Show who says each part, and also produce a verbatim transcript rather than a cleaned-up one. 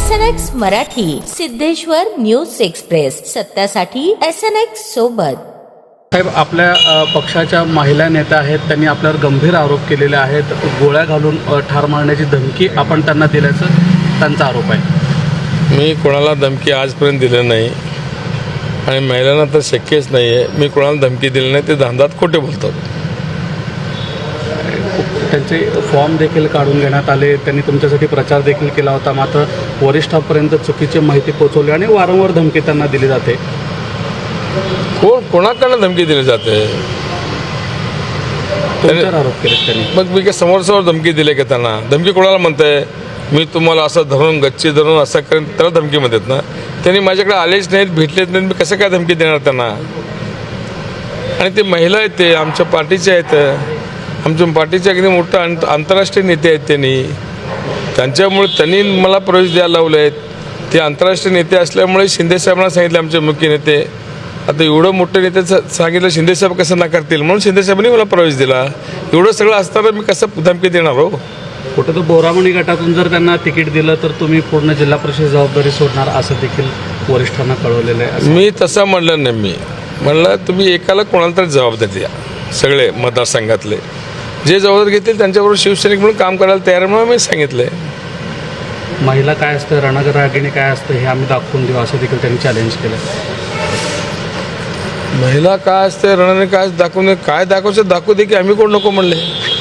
Speaker 1: S N X Marathi, Siddheshwar news express, सत्यासाठी S N X सोबत.
Speaker 2: साहेब, आपल्या अ, पक्षाच्या महिला नेत्या आहेत, त्यांनी आपल्यावर गंभीर आरोप केलेले आहेत. गोळ्या घालून अ, ठार मारण्याची धमकी आपण त्यांना दिल्याचं त्यांचा आरोप आहे.
Speaker 3: मी कोणाला धमकी आजपर्यंत दिली नाही आणि महिलांना तर शक्यच नाही आहे. मी कोणाला धमकी दिली नाही. ते धांदात खोटे बोलतात.
Speaker 2: त्यांचे फॉर्म देखील काढून घेण्यात आले. त्यांनी तुमच्यासाठी प्रचार देखील केला होता. मात्र वरिष्ठांपर्यंत चुकीची माहिती पोहोचवली आणि वारंवार धमकी त्यांना दिली जाते.
Speaker 3: कोण कोणाकडनं धमकी दिली जाते?
Speaker 2: तुमच्यावर आरोप केले त्यांनी.
Speaker 3: मग मी काय समोर समोर धमकी दिली का त्यांना? धमकी कोणाला म्हणताय? मी तुम्हाला असं धरून गच्ची धरून असं करेन त्याला धमकी म्हणतात ना. त्यांनी माझ्याकडे आलेच नाहीत, भेटलेच नाहीत, मी कसं काय धमकी देणार त्यांना? आणि ते महिला आहेत, ते आमच्या पार्टीचे आहेत. आमच्या पार्टीचे अगदी मोठं आंत आंतरराष्ट्रीय नेते आहेत. त्यांनी त्यांच्यामुळे त्यांनी मला प्रवेश द्यायला लावले आहेत. ते आंतरराष्ट्रीय नेते असल्यामुळे शिंदेसाहेबांना सांगितले, आमचे मुख्य नेते. आता एवढं मोठं नेते सांगितलं शिंदेसाहेब कसं नाकारतील, म्हणून शिंदेसाहेबांनी मला प्रवेश दिला. एवढं सगळं असताना मी कसं धमकी देणार हो?
Speaker 2: कुठं तर बोरामणी गटातून जर त्यांना तिकीट दिलं तर तुम्ही पूर्ण जिल्हा परिषद जबाबदारी सोडणार असं देखील वरिष्ठांना कळवलेलं आहे.
Speaker 3: मी तसं म्हणलं नाही. मी म्हणलं तुम्ही एकाला कोणाला तरी जबाबदारी द्या. सगळे मतदारसंघातले जे जबाबदारी घेतील त्यांच्याबरोबर शिवसैनिक म्हणून काम करायला तयार म्हणून मी सांगितलं आहे.
Speaker 2: महिला काय असतं, रणरागिणी काय असतं हे आम्ही दाखवून देऊ असं देखील त्यांनी चॅलेंज केलं.
Speaker 3: महिला काय असते, रणने काय दाखवून काय दाखवायचं दाखवू दे की आम्ही कोण नको म्हणले.